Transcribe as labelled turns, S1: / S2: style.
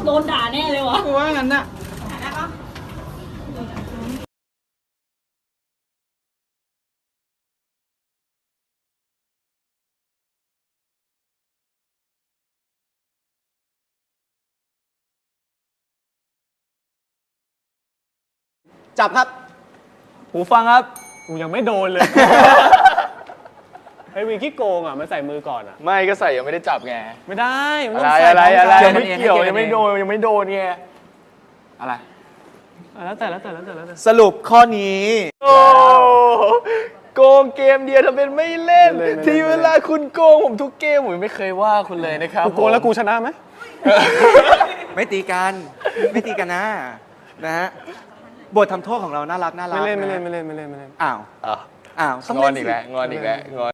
S1: โดนด่าแน่เลยวะ
S2: กูว่างั้นน่ะจับครับหูฟังครับกูยังไม่โดนเลยไอ้วีขี้โกงอ่ะมันใส่มือก่อนอ่ะ
S3: ไม่ก็ใส่ยังไม่ได้จับไง
S2: ไม่ได้มัน
S3: อะ
S2: ต้
S3: ไร
S2: องใส่
S3: อะไรอะไร
S2: พร้มกัน
S3: ไม่เกี่ยวยังไม่โดนยังไม่โดนไงอะไร
S2: แล้วแต่
S4: สรุปข้อนี้
S3: โอ้โกงเกมเดียวทำเป็นไม่เล่น ทีเวลาคุณโกงผมทุกเกมผมไม่เคยว่าคุณเลยนะครับ
S2: กูโกงแล้วกูชนะไหม
S4: ไม่ตีกันไม่ตีกันนะฮะบททำโทษของเราน่ารัก
S2: ไม่เล่น
S4: อ้าว
S3: อ่ะ
S4: ต้อง
S3: งอน
S4: เล่
S3: อี
S4: น
S3: ก
S4: สิ
S3: แล้วงอนอีกแล้วงอน